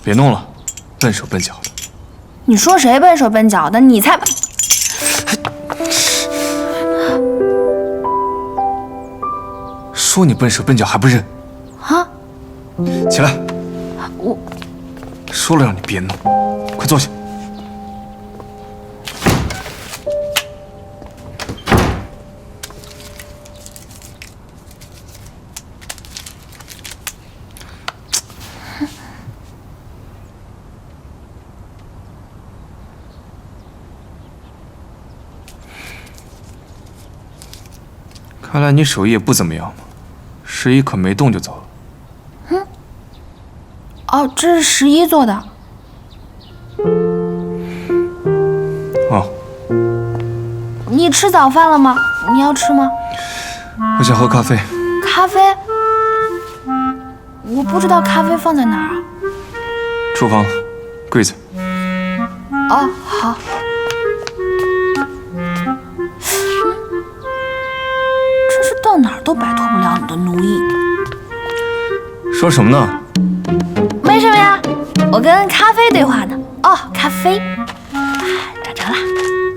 别弄了，笨手笨脚的。 你说谁笨手笨脚的？你才…… 说你笨手笨脚还不认？ 啊！ 起来！ 我说了让你别弄，快坐下。看来你手艺也不怎么样嘛，11可没动就走了。 哦，这是11做的。 哦， 你吃早饭了吗？你要吃吗？ 我想喝咖啡。 咖啡？我不知道咖啡放在哪儿啊。 厨房，柜子。 哦，好。真是到哪儿都摆脱不了你的奴役。 说什么呢？ 没什么呀，我跟咖啡对话呢。哦，咖啡，找着了。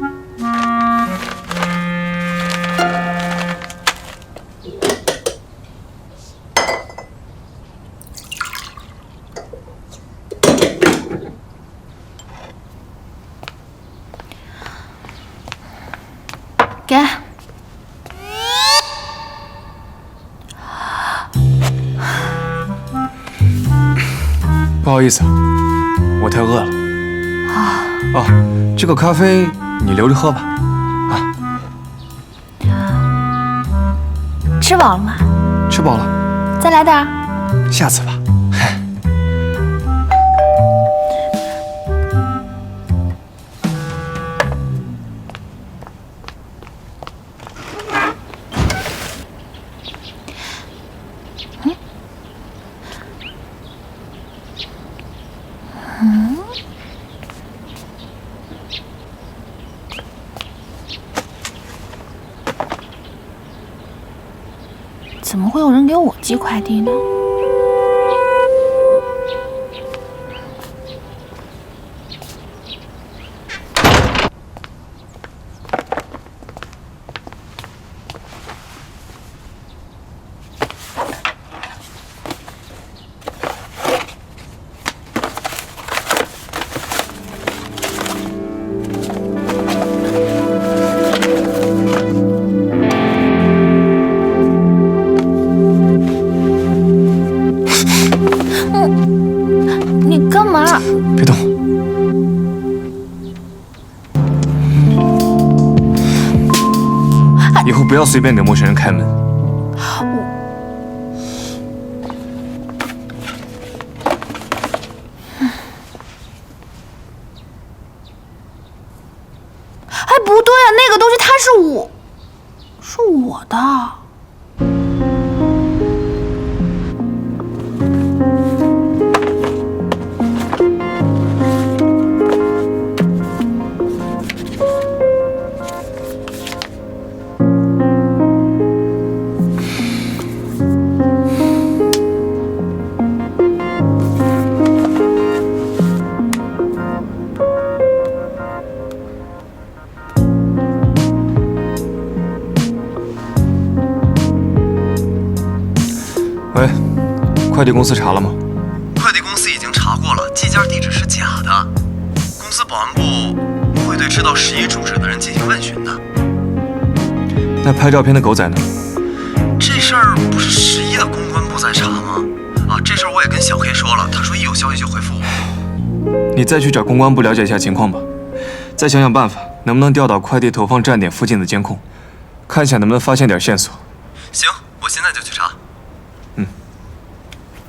给。 不好意思，我太饿了。哦，这个咖啡你留着喝吧。 吃饱了吗？ 吃饱了， 再来点儿。 下次吧。 怎么会有人给我寄快递呢？你干嘛？ 别动！以后不要随便给陌生人开门。 哎，不对啊，那个东西它是我的。 喂，快递公司查了吗？ 快递公司已经查过了，寄件地址是假的。公司保安部会对知道11住址的人进行问询的。 那拍照片的狗仔呢？ 这事儿不是11的公关部在查吗？这事儿我也跟小黑说了，他说一有消息就回复我。 你再去找公关部了解一下情况吧，再想想办法，能不能调到快递投放站点附近的监控，看一下能不能发现点线索。 行，我现在就去查。